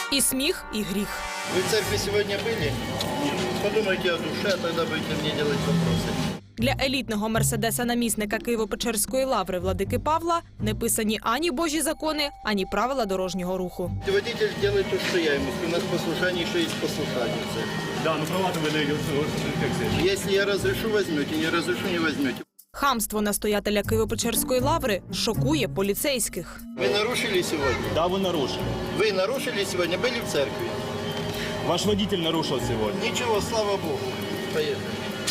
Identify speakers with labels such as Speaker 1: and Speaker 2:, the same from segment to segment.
Speaker 1: І сміх, і гріх.
Speaker 2: Вы в церкви сегодня были? Подумайте о душе, а тогда будете мне делать вопросы.
Speaker 1: Для елітного мерседеса-намісника Києво-Печерської лаври владики Павла не писані ані божі закони, ані правила дорожнього руху.
Speaker 2: Водитель делает то, что я ему. У нас послушание еще есть послушание.
Speaker 3: Да, ну права-то вы даете.
Speaker 2: Если я разрешу, возьмете, не разрешу, не возьмете.
Speaker 1: Хамство настоятеля Києво-Печерської лаври шокує поліцейських.
Speaker 2: Вы нарушили сегодня?
Speaker 3: Да, вы нарушили.
Speaker 2: Вы нарушили сегодня? Были в церкви?
Speaker 3: Ваш водитель нарушил сегодня.
Speaker 2: Ничего, слава Богу. Поехали.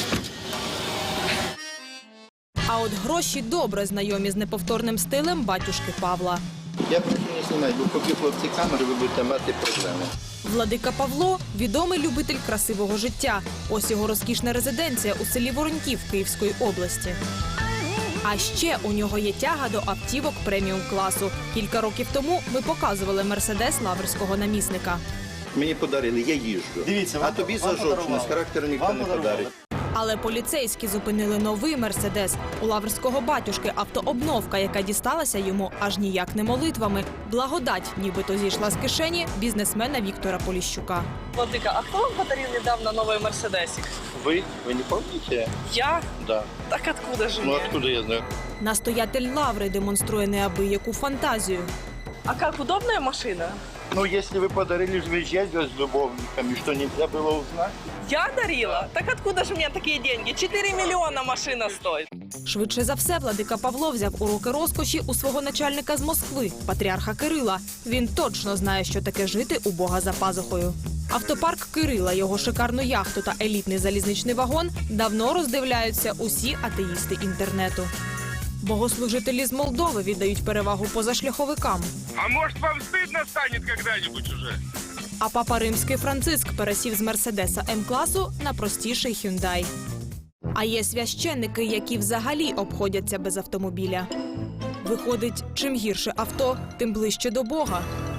Speaker 1: А от гроші добре знайомі з неповторним стилем батюшки Павла.
Speaker 2: Я прошу не знімати, бо поки хлопці камери, ви будете мати проблеми.
Speaker 1: Владика Павло – відомий любитель красивого життя. Ось його розкішна резиденція у селі Вороньків Київської області. А ще у нього є тяга до автівок преміум-класу. Кілька років тому ми показували мерседес лаврського намісника.
Speaker 2: Мені подарили, я їжджу.
Speaker 3: Дивіться,
Speaker 2: а тобі за жовчність, характеру ніхто не подарить.
Speaker 1: Але поліцейські зупинили новий мерседес. У лаврського батюшки автообновка, яка дісталася йому аж ніяк не молитвами. Благодать нібито зійшла з кишені бізнесмена Віктора Поліщука.
Speaker 4: Владыка, а кто вам подарил недавно новый Мерседесик?
Speaker 2: Ви не пам'ятаєте?
Speaker 4: Я?
Speaker 2: Да.
Speaker 4: Так откуда же
Speaker 2: Ну
Speaker 4: мне?
Speaker 2: откуда я знаю?
Speaker 1: Настоятель лаври демонструє неабияку фантазію.
Speaker 4: А как, удобная машина?
Speaker 2: Ну, если вы подарили выезжать с любовниками, что нельзя было узнать?
Speaker 4: Я дарила? Так откуда же у меня такие деньги? 4 миллиона машина стоит.
Speaker 1: Швидше за все, владика Павло взяв уроки розкоші у свого начальника з Москви, патріарха Кирила. Він точно знає, що таке жити у Бога за пазухою. Автопарк Кирила, його шикарну яхту та елітний залізничний вагон давно роздивляються усі атеїсти інтернету. Богослужителі з Молдови віддають перевагу позашляховикам.
Speaker 5: А может, вам стыдно станет когда-нибудь уже?
Speaker 1: А папа Римський Франциск пересів з Мерседеса М-класу на простіший Hyundai. А є священники, які взагалі обходяться без автомобіля. Виходить, чим гірше авто, тим ближче до Бога.